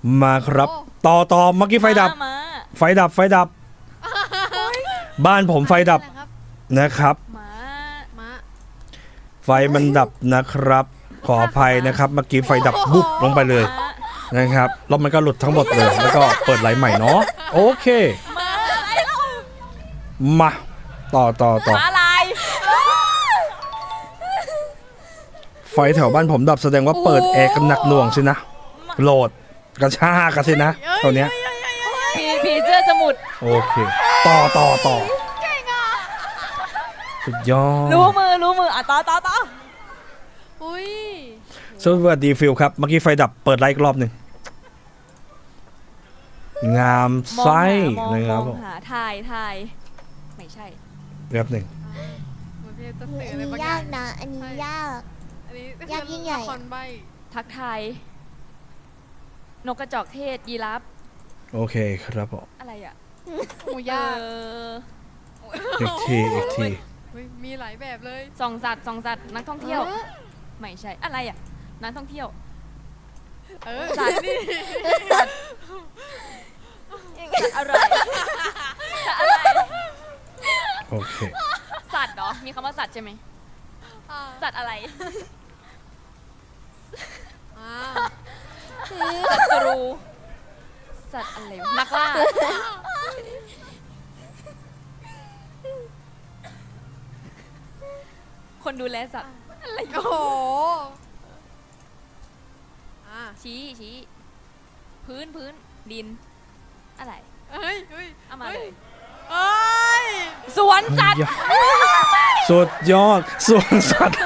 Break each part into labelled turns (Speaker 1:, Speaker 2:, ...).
Speaker 1: มาครับต่อเมื่อกี้ไฟดับไฟดับบ้านผมไฟดับนะครับไฟมันดับนะครับขออภัยนะครับเมื่อกี้ไฟดับบุ๊บลงไปเลยนะครับแล้วมันก็หลุดทั้งหมดเลยแล้วก็เปิดไลน์ใหม่เนาะโอเคมาต่อ
Speaker 2: อะไร
Speaker 1: ไฟแถวบ้านผมดับแสดงว่าเปิดแอร์กันหนักหน่วงสินะโหลดกระชากกันสินะตอนเนี้ย
Speaker 2: ผีเสื้อสมุด
Speaker 1: โอเคต่อสุดยอด
Speaker 2: รู้มืออ่ะต่อ
Speaker 3: อุ้ย
Speaker 1: สวัสดีฟิลครับเมื่อกี้ไฟดับเปิดไลท์อีกรอบหนึ่งงามไส้นะครับผม
Speaker 2: หาถ่ายไม่ใช่
Speaker 1: แป๊บหนึ่ง
Speaker 4: อันนี้ยากนะอันนี้ยากยิ่งใหญ่
Speaker 2: ทักทายนกกระจอกเทศยีราฟ
Speaker 1: โอเคครับผม
Speaker 2: อะไรอ่ะ
Speaker 3: หมูย่าง
Speaker 1: อีกที
Speaker 3: มีหลายแบบเลย
Speaker 2: ส่องสัตว์นักท่องเที่ยวไม่ใช่อะไรอ่ะนักท่องเที่ยวสัตว์อะไร
Speaker 1: โอเค
Speaker 2: สัตว์เหรอมีคำว่าสัตว์ใช่ไหมสัตว์อะไรสัตว์รูสัตว์อะไรนักล่าคนดูแลสัตว์อะไร
Speaker 3: โอ้โห
Speaker 2: ชี้พื้นดินอะไรเอามาเลยสวนสัตว์
Speaker 1: สุดยอดสวนสัตว์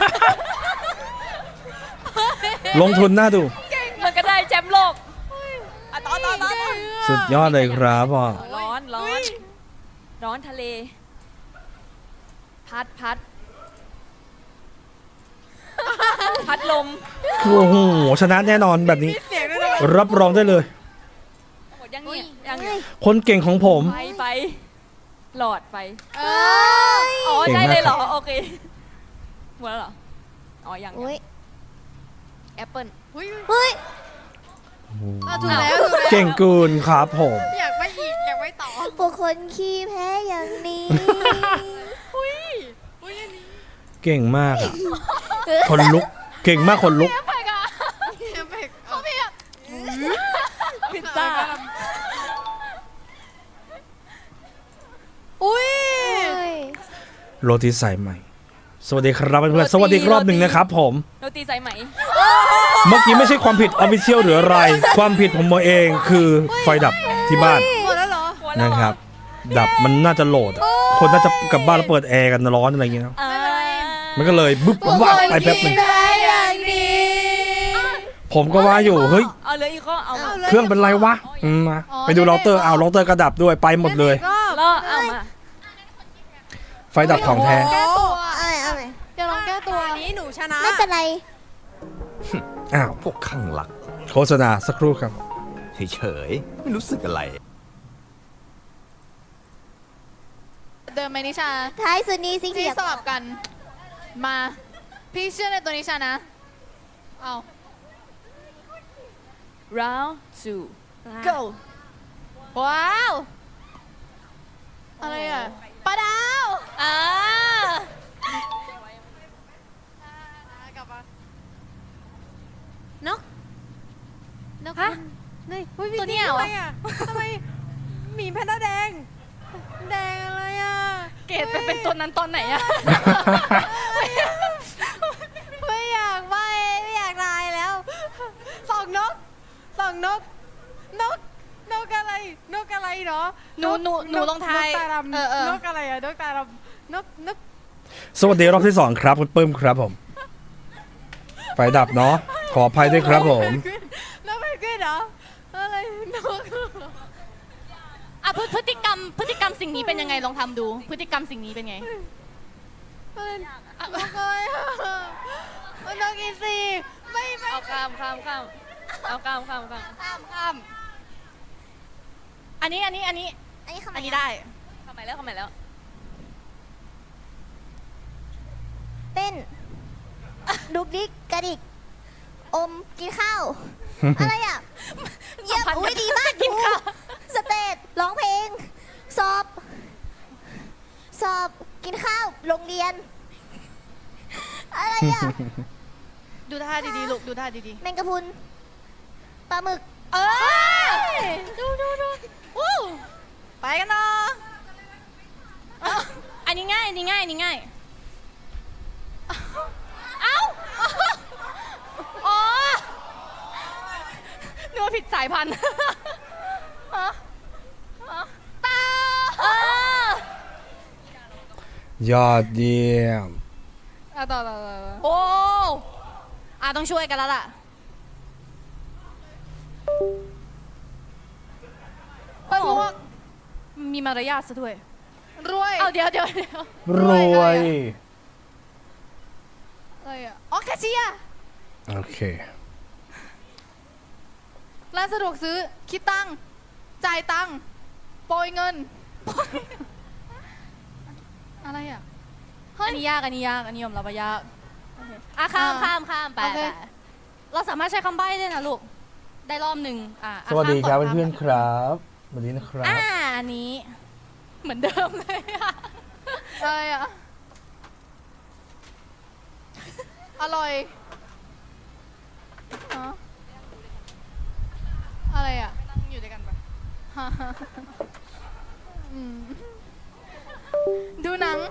Speaker 1: ลงทุนน่าดู
Speaker 2: มันก็ได้แชมป์โลกต่อ
Speaker 1: สุดยอดเลยครับพ่อ
Speaker 2: ร้อนทะเลพัดลม
Speaker 1: โอ้โหชนะแน่นอนแบบนี้รับรองได้เลย
Speaker 2: หมดยัง
Speaker 1: คนเก่งของผม
Speaker 2: ไปหลอดไปอ๋อใช่เลยเหรอโอเคหมดแล้วเหรออ๋อยังแอปเปิ้ล
Speaker 4: ถูก
Speaker 3: แล้ว
Speaker 1: เก่งเกินครับผม
Speaker 3: อยากไปต่อ
Speaker 4: พวกคนขี้แพ้อย่างนี้
Speaker 1: เก่งมากอ่ะคนลุกเก่งมากคนลุก
Speaker 2: พิซซ่า
Speaker 1: โรตีสายใหม่สวัสดีครับเพื่อนๆสวัสดีรอบหนึ่งนะครับผม
Speaker 2: โรตีสายไหม
Speaker 1: เมื่อกี้ไม่ใช่ความผิดออฟฟิเชียลหรืออะไรความผิดผมเองคือไฟดับที่บ้านนะครับดับมันน่าจะโหลดคนน่าจะกลับบ้านแล้วเปิดแอร์กันร้อนอะไรอย่างเงี้ยมันก็เลยบึ๊บวับไปแป๊บหนึ่งผมก็ว่าอยู่เฮ้ยเครื่องเป็นไรวะมาไปดูเราเตอร์เราเตอร์กระดับด้วยไปหมดเลยไฟดับของแท้
Speaker 3: จะลองแก้ตัวนี้หนูชนะ
Speaker 4: ไม่เป็นไร
Speaker 1: อ้าว
Speaker 5: พวกข้างหลัก
Speaker 1: โฆษณาสักครู่ครับ
Speaker 5: เฉยไม่รู้สึกอะไร
Speaker 3: เดิมไหมนิชา
Speaker 4: ท้ายสุดนี้สิ
Speaker 3: ที่สลับกันมาพี่เชื่อในตัวนิชานะเอา
Speaker 2: round 2 go
Speaker 3: ว้าวอะไรอ่ะปลาดาวนก
Speaker 2: ฮะ
Speaker 3: ตัวนี้เหรอทำไมหมีแพนด้าแดงอะไรอ่ะ
Speaker 2: เกดไปเป็นตัวนั้นตอนไหนอ่ะ
Speaker 3: ไม่อยากตายแล้วสองนกอะไรเนาะ
Speaker 2: หนูลงท้าย
Speaker 3: นกอะไรอะนกตาดำนก
Speaker 1: สวัสดีรอบที่2ครับคุณปื้มครับผมไฟดับเนาะขออภัยด้วยครับผม
Speaker 3: นกเพนกวินเหรออะไรนก
Speaker 2: พฤติกรรมสิ่งนี้เป็นยังไงลองทำดูพฤติกรรมสิ่งนี้เป็นไง
Speaker 3: นกอะไรนกอีซีไม่
Speaker 2: เอาข้ามเอาข้ามอันนี้ได้เข้ามาแล้ว
Speaker 4: เต้นดุกดิกกระดิกอมกินข้าวอะไรอ่ะ
Speaker 2: สัมพัน
Speaker 4: กินข้าวโรงเรียน อะไรอ่ะ
Speaker 3: ดูท่าดีๆลูกดูท่าดี
Speaker 4: แมงกะพรุนปลาหมึก
Speaker 3: ๆดูวู้ไปกันเนาะ
Speaker 2: อันนี้ง่ายอันนี้ง่ายอันนี้ง่าย
Speaker 3: อ๋อนึกว่าผิดสายพันธุ์ตาย
Speaker 1: อดเยี่ยม
Speaker 3: ต่อโอ้ต้องช่วยกันแล้วล่ะพวกมีมารยาทซะด้วยรวยเอาเดี๋ยว
Speaker 1: รวย
Speaker 3: อะไรอ่ะอ๋อแคชเชียร์
Speaker 1: โอเค
Speaker 3: ร้านสะดวกซื้อคิดตังค์จ่ายตังค์โปรยเงิน อะไรอ่ะ
Speaker 2: อันนี้ยากอันนี้ยากอันนี้ยอมรับว่ายากอ่ะข้ามไป
Speaker 3: โอเค
Speaker 2: ไปเราสามารถใช้คำใบ้ได้นะลูกได้รอบหนึ่งอ่ะ
Speaker 1: สวัสดีครับ
Speaker 2: ข้ามก่
Speaker 1: เพื่อนๆครับสวัสดีนะครับ
Speaker 2: อันนี้เหมือนเดิมเลยอะ
Speaker 3: อะไรอ่ะ อร่อยฮะอะไรอ่ะนั่งอยู่ด้วยกันปะอืมดูหนัง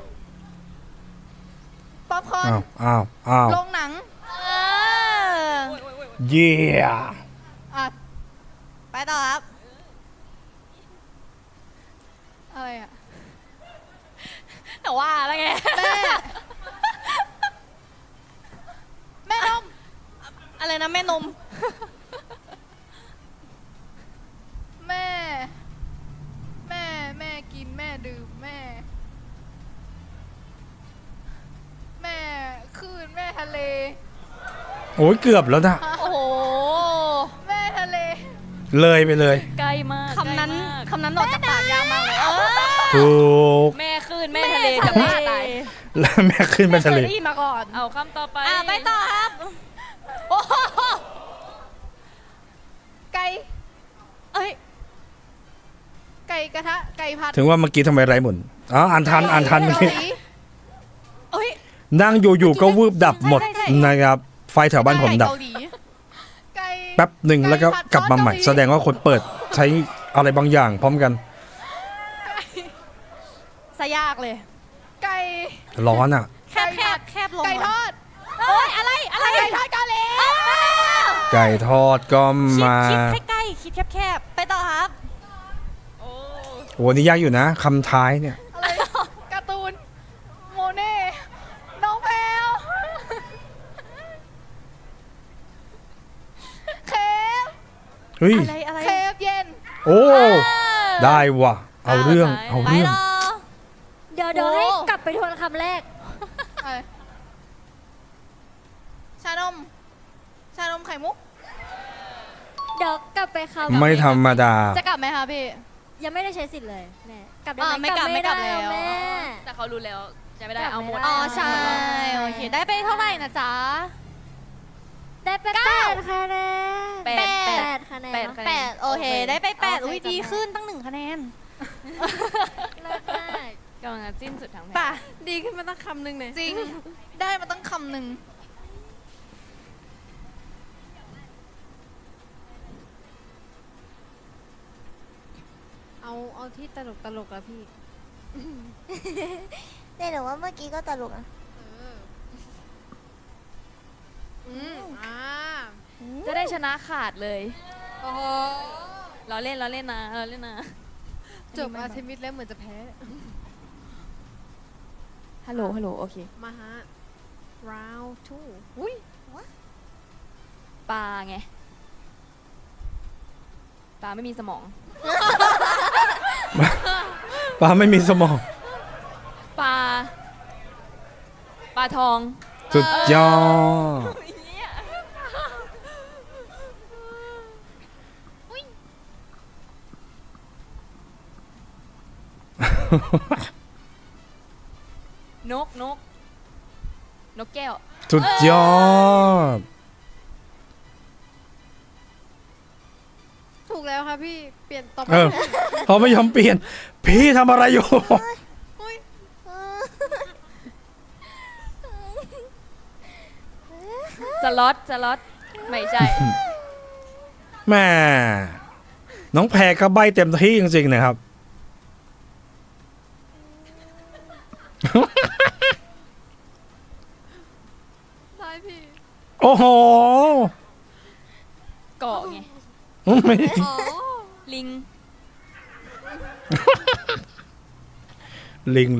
Speaker 3: ป๊อปคอร์น
Speaker 1: อ้าว
Speaker 3: โรงหนัง
Speaker 1: เยี่ย
Speaker 3: อ่ะ ไปต่อครับ อะไรอ่ะ
Speaker 2: แต่ว่าแล้วไง
Speaker 3: แม่นม
Speaker 2: อะไรนะแม่นม
Speaker 3: แม่ กินแม่ดื่มแม่คลื่นแม่ทะเล
Speaker 1: โอ้ยเกือบแล้วนะ
Speaker 2: โอ้โห
Speaker 3: แม่ทะเล
Speaker 1: เลยไปเลย
Speaker 2: ใกล้มากคำนั้นออกจากปากยากมากเลย
Speaker 1: ถูก
Speaker 2: แม่ขึ้นแม่ทะเลจะบ้าตาย
Speaker 1: แล้วแม่ขึ้นไปทะเล
Speaker 3: ไม่เคยได้ยินมาก่อน
Speaker 2: เอาคำต่อไป
Speaker 3: ไปต่อครับ โอ้โหไก่
Speaker 2: เอ้ย
Speaker 3: ไก่กระทะ ไก่ผัด
Speaker 1: ถึงว่าเมื่อกี้ทำไมไร้หมุนอ๋ออ่านทันเมื่อกี้
Speaker 3: เกาหลี
Speaker 2: เอ้ย
Speaker 1: นั่งอยู่ๆก็วืบดับหมดนะครับ ไฟแถวบ้านผมดับ
Speaker 3: ไก่เกาหลีไก่
Speaker 1: แป๊บหนึ่งแล้วก็
Speaker 3: ไผัด
Speaker 1: กลับมาใหม่
Speaker 3: ซอสเกหลี
Speaker 1: แสดงว่าคนเปิดใช้อะไรบางอย่างพร้อมกัน
Speaker 2: ซะยากเลย
Speaker 3: ไก่
Speaker 1: ร้อนอ่ะ
Speaker 2: แคบลง
Speaker 3: ไก่ทอด
Speaker 2: เอ้ยอะไร
Speaker 3: ไก่ทอดเกาหลี
Speaker 1: ไก่ทอดก็มา
Speaker 2: คิดใกล้ๆคิดแคบๆไปต่อครับโอ้
Speaker 1: โหนี่ยากอยู่นะคำท้ายเนี่ย
Speaker 3: อะไรการ์ตูน โมเน่ น้องแพลวเคฟ
Speaker 1: เฮ้ย
Speaker 2: อะไร
Speaker 3: เคฟเย็น
Speaker 1: โอ้ ได้ว่ะ เอาเรื่อง เอา
Speaker 2: ไป
Speaker 1: เรื่อง
Speaker 2: ต่อ
Speaker 4: เดี๋ยว
Speaker 3: โอ้
Speaker 4: ให้กลับไปทวนคำแรก
Speaker 3: อะไรชานมไข่มุก
Speaker 4: เดี๋ยวกลับไปคำ
Speaker 1: ไม่ธรรมดา
Speaker 3: จะกลับไหมคะพี่
Speaker 4: ยังไม่ได้ใช้สิทธิ์เลยแม่กลับได้
Speaker 2: ไม่กลับ
Speaker 4: ไม่
Speaker 2: แล้ว
Speaker 4: แม่
Speaker 2: แต่เขารู้แล้วจะไม่ได้
Speaker 4: กลับ
Speaker 2: เอาหมด
Speaker 4: ไม่ได้
Speaker 3: อ๋อใช่ โอเค ได้ไปเท่าไหร่นะจ๊ะ
Speaker 4: ได้ไป8คะแนน
Speaker 2: แปด
Speaker 4: 8คะแนน
Speaker 2: แปด
Speaker 4: เนอะ
Speaker 2: คะแนน
Speaker 3: 8 โอเค ได้ไป 8 อุ้ย
Speaker 4: โอเค
Speaker 3: ดีขึ้นตั้ง1 คะแนน
Speaker 4: เลิศมาก
Speaker 2: กำลังจะจิ้นสุดทางแผ
Speaker 3: ป่ะ
Speaker 2: น
Speaker 3: ดีขึ้นมาตั้งคำหนึ่งเนี่ยจริง ได้มาตั้งคำหนึ่ง
Speaker 6: เอาที่ตลกอะพี่
Speaker 4: แต่หนูว่าเมื่อกี้ก็ตลกนะ
Speaker 2: จะได้ชนะขาดเลย
Speaker 3: โอ้โห
Speaker 2: เราเล่นนะเราเล่นนะ
Speaker 6: จบอาร์เทมิสแล้วเหมือนจะแพ้
Speaker 2: ฮัลโหลโอเค
Speaker 6: มาฮะ round 2 อุ้ย
Speaker 2: ปลาไงปลาไม่มีสมอง
Speaker 1: ปลาไม่มีสมอง
Speaker 2: ปลาทอง
Speaker 1: สุดยอด
Speaker 2: นกแก้ว
Speaker 1: สุดยอด
Speaker 6: ถูกแล้วค่ะพี่ เปลี่ยนต่อไป
Speaker 1: เออเขาไม่ยอมเปลี่ยน พี่ทำอะไรอยู่
Speaker 2: ล็อตไม่ใช่
Speaker 1: แม่น้องแพรก็ใบเต็มที่จริงๆนะครับ
Speaker 6: ได้พี่
Speaker 1: โอ้โห
Speaker 2: เกาะไง
Speaker 1: ไม่
Speaker 6: อ๋อ
Speaker 2: ลิง
Speaker 1: ลิงเลย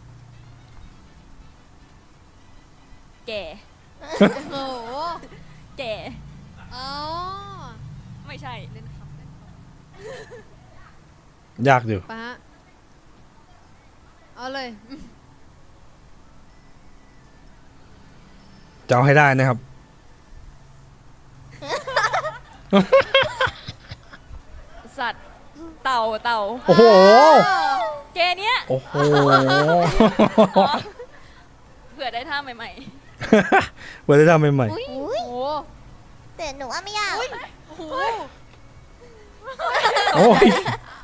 Speaker 2: แก่
Speaker 6: โอ้โห
Speaker 2: แก่
Speaker 6: อ๋อ
Speaker 2: ไม่ใช่
Speaker 6: เล่นครับเล่นครับ
Speaker 1: ยากอยู่
Speaker 6: ไปฮะเอาเลย
Speaker 1: จะเอาให้ได้นะครับ
Speaker 2: สัตว์ เต่า
Speaker 1: โอ้โห
Speaker 2: แกเนี้ย
Speaker 1: โอ้โห
Speaker 2: อ๋อเผื่อได้ท่าใหม่
Speaker 1: เปิดได้ทำใหม่
Speaker 4: อุ้ย
Speaker 2: ๆ โอ้โห
Speaker 4: แต่หนูว่าไม่ยาก
Speaker 6: โอ้โห
Speaker 1: ๆโอ้ย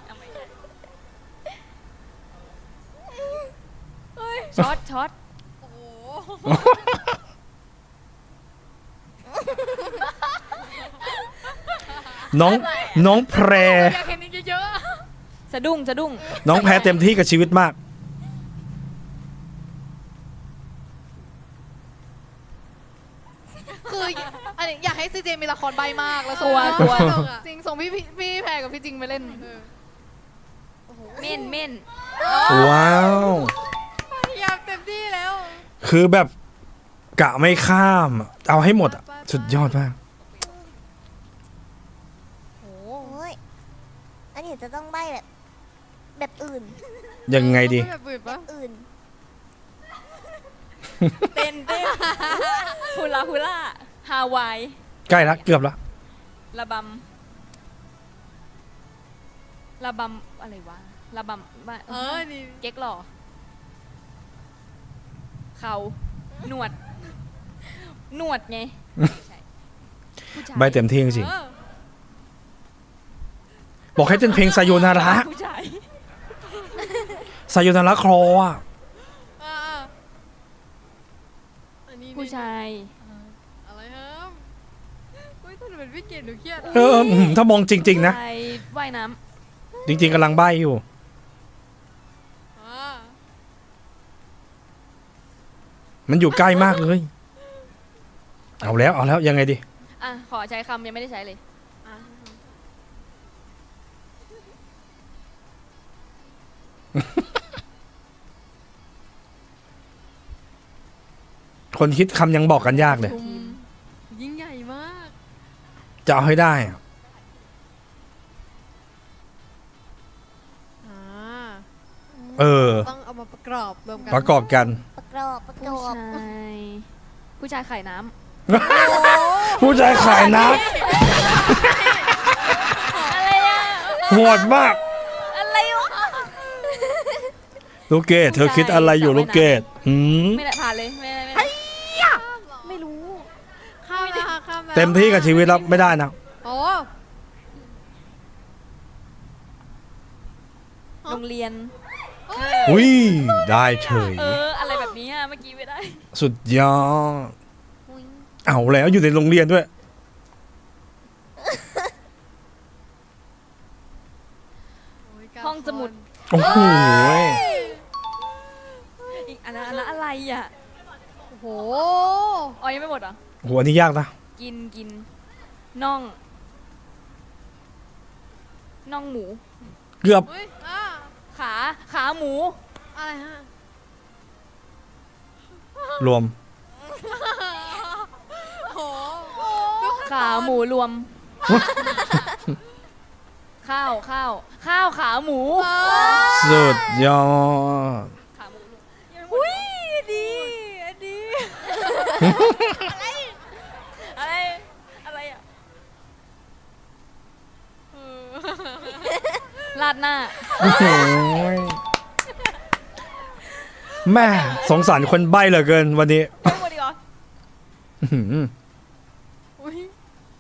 Speaker 2: ช็อต
Speaker 6: โอ้โห
Speaker 1: น้องแพร
Speaker 6: อยากเห็นอีกเยอะ
Speaker 2: สะดุ้ง
Speaker 1: น้องแพรเต็มที่กับชีวิตมาก
Speaker 3: ๆคืออันนี้อยากให้ซีเจมีละครใบมากแล้ว
Speaker 2: ก
Speaker 3: ส่ง
Speaker 2: ลัว
Speaker 3: จริงส่งพี่แพรกับพี่จริงไปเล่น
Speaker 2: เม่น
Speaker 1: ว้าว
Speaker 6: พยายามเต็มที่แล้ว
Speaker 1: คือแบบกะไม่ข้ามอะเอาให้หมดอะสุดยอดมาก
Speaker 4: โอ้ยอันนี้จะต้องใบแบบอื่น
Speaker 1: ยังไงดี
Speaker 6: แบบอื่นปะ
Speaker 4: อื่น
Speaker 2: เต้นฮูลาฮาวาย
Speaker 1: ใกล้ละเกือบละ
Speaker 2: ระบำอะไรวะระบำบ้า
Speaker 6: นี่
Speaker 2: เก๊กหล่อเขาหนวดไงไม่ใช่ผู้ชาย
Speaker 1: ใบเต็มที่จริง
Speaker 6: เออ
Speaker 1: ๆบอกให้เต้นเพลงซาโยนาระ
Speaker 2: ผู้ชาย
Speaker 1: ซาโยนาระคลออะ
Speaker 6: อ่าอันนี้
Speaker 2: ผู้ชาย
Speaker 6: อะไรครับอุ้ยถ้าหนูเป็นพี่เกดหนูเครียด
Speaker 1: ถ้ามองจริง ๆ นะ
Speaker 2: ผู้ชายว่ายน้
Speaker 1: จริง ๆกำลังใบอยู่
Speaker 6: อ่า
Speaker 1: มันอยู่ใกล้มากเลย เอาแล้วยังไงดี
Speaker 2: ำอ่ะขอใช้คำยังไม่ได้ใช้เลย
Speaker 6: อ่ะ
Speaker 1: คนคิดคำยังบอกกันยากเลย
Speaker 6: ชุมยิ่งใหญ่มาก
Speaker 1: จะเอาให้ได้อะ
Speaker 6: อ่า
Speaker 1: เออ
Speaker 6: ต้องเอามาประกอบรวมกัน
Speaker 1: ประกอบกัน
Speaker 4: ประกอบ
Speaker 2: ผู้ชายไข่น้
Speaker 1: ผู้ชายขายน้
Speaker 2: ำอะไรอ่ะ
Speaker 1: ำโหดมาก
Speaker 2: อะไรวะ
Speaker 1: ลูกเกดเธอคิดอะไรอยู่ลูกเกด
Speaker 2: ไม่ได้ผ่านเลยไม่ได้ไม่รู้
Speaker 6: ข้ามนะคะข้ามแล้ว
Speaker 1: เต็มที่กับชีวิตแล้วไม่ได้นะ
Speaker 6: โอ้
Speaker 2: โรงเรียน
Speaker 1: อุ้ยได้เฉย
Speaker 2: อะไรแบบนี้อ่ะเมื่อกี้ไม่ได้
Speaker 1: สุดยอดเอาแล้วอยู่ในโรงเรียนด้วย
Speaker 6: ยการ
Speaker 2: ห้องสมุด
Speaker 1: โอ้โห
Speaker 2: อีกอันนั้นอะไรอ่ะ
Speaker 6: โอ้โห
Speaker 2: อ๋อยังไม่หมดเหรอ
Speaker 1: หัวนี่ยากนะ
Speaker 2: กินน่องหมู
Speaker 1: เกือบ
Speaker 6: อุ้ยอ่า
Speaker 2: ขาหมู
Speaker 6: อะไรฮะ
Speaker 1: รวม
Speaker 6: โอ้โห
Speaker 2: ขาหมูรวม ข้าวขาหมู
Speaker 1: สุดยอด
Speaker 2: ขาหมูรวมอุ้ยดีอะไรอ่ะลาดหน้า
Speaker 1: โอ้โหแม่สงสารคนใบ้เหลือเกินวันนี้
Speaker 2: ไม่หมดดีกว่า
Speaker 1: อื้อหือ
Speaker 6: อุ้ย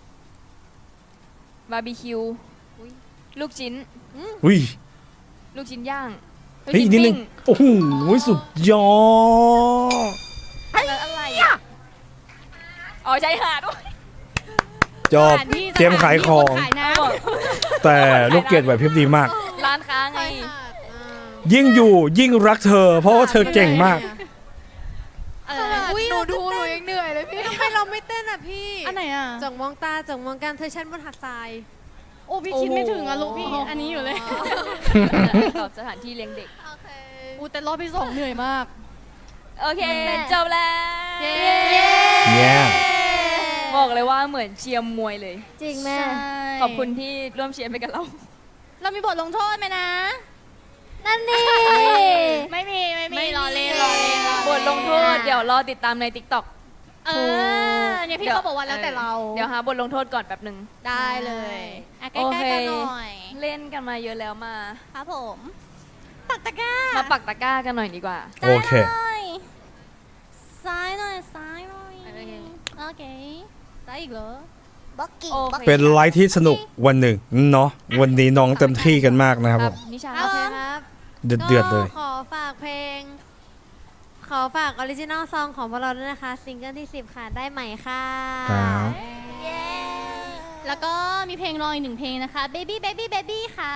Speaker 2: บาร์บีคิวลูกชิ้น
Speaker 1: อุ้ย
Speaker 2: ลูกชิ้นย่างลูก
Speaker 1: เฮ้ย
Speaker 2: ชิ้น
Speaker 1: นิดนึ
Speaker 2: ปิ้
Speaker 1: ง
Speaker 2: ง
Speaker 1: โอ้โหสุดยอด
Speaker 2: อะไรอ่ะอ๋อชายหาดด้วย
Speaker 1: จบเตรียมขายของ
Speaker 3: ขายน้
Speaker 1: แต่ลูกเกดไหวพริบดีมาก
Speaker 2: ร้านค้าไง
Speaker 1: ยิ่งอยู่ยิ่งรักเธอ เพราะว่าเธอเก่งมาก
Speaker 6: อุ๊ยหนูดูหนูยังเหนื่อยเลยพี่
Speaker 3: ทำไมเราไม่เต้นอ่ะพี่
Speaker 4: ำอันไหนอ่ะ
Speaker 3: จ่องมองตาจ่องมองกันเธอชั้นบนหาดทราย
Speaker 4: โอ้พี่คิดไม่ถึงอ่ะลูกพี่อันนี้อยู่เลย
Speaker 2: กับสถานที่เลี้ยงเด็ก
Speaker 3: โอเค
Speaker 4: อูแต่รอบที่สองเหนื่อยมาก
Speaker 2: โอเค จบแล้ว
Speaker 1: เนี่ย
Speaker 2: บอกเลยว่าเหมือนเชียร์มวยเลย
Speaker 4: จริงแม่
Speaker 2: ขอบคุณที่ร่วมเชียร์ไปกับเรา
Speaker 4: เรามีบทลงโทษไหมนะ
Speaker 7: นั่นนี่
Speaker 4: ไม่มีรอเล่น
Speaker 2: บทลงโทษเดี๋ยวรอติดตามใน TikTok
Speaker 4: เออเนี่ยพี่เขาบอกว่าแล้วแต่เรา
Speaker 2: เดี๋ยวหาบทลงโทษก่อนแป๊บหนึ่ง
Speaker 4: ได้เลยอ่ะใก
Speaker 2: โอ
Speaker 4: ล้
Speaker 2: เค
Speaker 4: ๆกันหน่อย
Speaker 2: เล่นกันมาเยอะแล้วมา
Speaker 4: ครับผมปักตะกร้า
Speaker 2: มาปักตะกร้ากันหน่อยดีกว่า
Speaker 1: โอเค
Speaker 4: ซ้ายหน่อยซ้ายหน่อย
Speaker 2: โอเค
Speaker 4: โอเคซ้ายอีกเหรอ
Speaker 7: บ็อกกิ้ง
Speaker 2: โอ
Speaker 7: บ็อก
Speaker 2: เค
Speaker 1: เป็นไลฟ์ที่สนุกวันหนึ่งเนาะวันนี้น้องเต็มที่กันมากนะครับ
Speaker 2: ค
Speaker 1: ผ
Speaker 2: รับ
Speaker 1: ม
Speaker 2: นิชา
Speaker 3: โอเคครับ
Speaker 1: เดือดๆเลย
Speaker 3: ก็ขอฝากเพลง ขอฝากออริจินอลซองของพวกเราด้วยนะคะ ซิงเกิลที่ 10 ค่ะ ได้ใหม่ค่ะ
Speaker 1: ครับ
Speaker 4: แล้วก็มีเพลงรออีกหนึ่งเพลงนะคะ Baby Baby Baby ค่ะ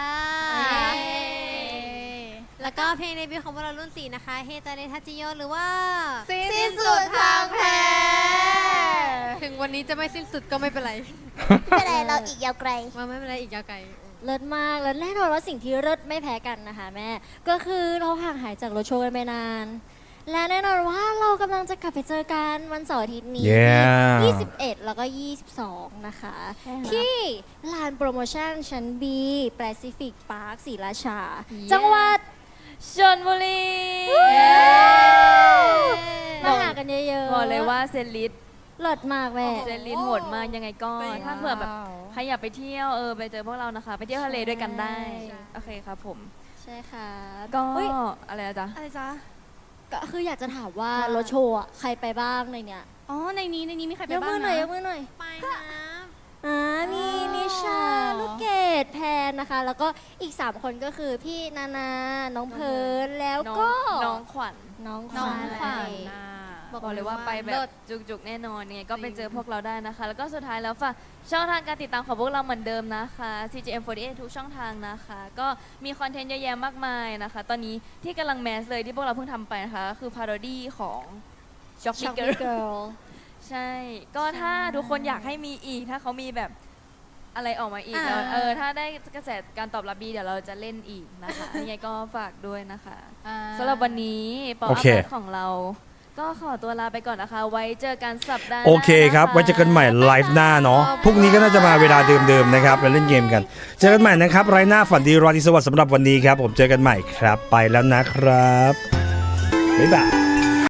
Speaker 3: แล้วก็เพลงเดบิวต์ของพวกเรารุ่น 4 นะคะ เฮตาเนทัจิโยหรือว่า
Speaker 4: สิ้นสุดทางแพ้
Speaker 3: ถึงวันนี้จะไม่สิ้นสุดก็ไม่เป็นไร
Speaker 7: ไม่เป็นไรเราอีกยาวไกล
Speaker 3: มาไม่เป็นไรอีกยาวไกล
Speaker 7: เลิศมากแล้วแน่นอนว่าสิ่งที่เลิศไม่แพ้กันนะคะแม่ ก็คือเราห่างหายจากรถโชว์กันไปนาน และแน่นอนว่าเรากำลังจะกลับไปเจอกันวันเสาร์อาทิตย์นี้
Speaker 1: Yeah
Speaker 7: ที่21 แล้วก็ 22 นะคะ ที่ลานโปรโมชั่นชั้น B Pacific Park ศรีราชา จังหวัด
Speaker 2: ชลบุรี
Speaker 7: มาหากันเยอะๆ
Speaker 2: บอกเลยว่าเซนลิส
Speaker 7: เลิศมากแม่
Speaker 2: เซนลิสโหดมากยังไงก็ ถ้าเผื่อแบบใครอยากไปเที่ยวไปเจอพวกเรานะคะ ไปเที่ยวทะเลด้วยกันได้ โอเคครับผม
Speaker 7: ใช่ค่ะ
Speaker 2: ก็
Speaker 7: เฮ้ย
Speaker 2: อะไรนะจ๊ะ
Speaker 4: อะไรจ๊ะ
Speaker 7: ก็คืออยากจะถามว่ารถโชว์อะใครไปบ้างในเนี้ย
Speaker 4: อ๋อ ในนี้มีใครไป
Speaker 7: ยก
Speaker 4: บ้าง
Speaker 7: มือหน่อยยกมือหน่อย
Speaker 3: ไปครับ
Speaker 7: มีนิชา ลูกเกดแพนนะคะ แล้วก็อีก 3 คนก็คือพี่นานา น้องเพิร์นแล้วก็
Speaker 2: น้องขวัญ
Speaker 7: น้องข
Speaker 4: น้อง
Speaker 7: วัญ
Speaker 4: ขวัญ
Speaker 2: บอกเลยว่าไปแบบจุกๆแน่นอนยังไงก็ไปเจอพวกเราได้นะคะ แล้วก็สุดท้ายแล้วฝากช่องทางการติดตามของพวกเราเหมือนเดิมนะคะ CGM48 ทุกช่องทางนะคะ ก็มีคอนเทนต์เยอะแยะมากมายนะคะ ตอนนี้ที่กำลังแมสเลยที่พวกเราเพิ่งทำไปนะคะก็คือพาโรดี้ของ Shock
Speaker 7: ช็อก
Speaker 2: Girl
Speaker 7: เกิร์ล
Speaker 2: ใช่ ก็ถ้าทุกคนอยากให้มีอีก ถ้าเขามีแบบอะไรออกมาอีกแล้วถ้าได้กระแสการตอบรับดีเดี๋ยวเราจะเล่นอีกนะคะยังไงก็ฝากด้วยนะคะสำหรับวันนี้ปอ
Speaker 1: โอ
Speaker 2: อัพ
Speaker 1: เค
Speaker 2: เดตของเรา ก็ขอตัวลาไปก่อนนะคะ ไว้เจอกันสัปดาห์หน้า
Speaker 1: โอเคครับ
Speaker 2: นะะ
Speaker 1: ไว้เจอกันใหม่ไลฟ์หน้าเนาะพรุ่งนี้ก็น่าจะมาเวลาเดิมๆนะครับแล้วเล่นเกมกัน เจอกันใหม่นะครับไลฟ์หน้าฝันดีราตรีสวัสดิ์สำหรับวันนี้ครับ ผมเจอกันใหม่ครับ ไปแล้วนะครับบ๊ายบาย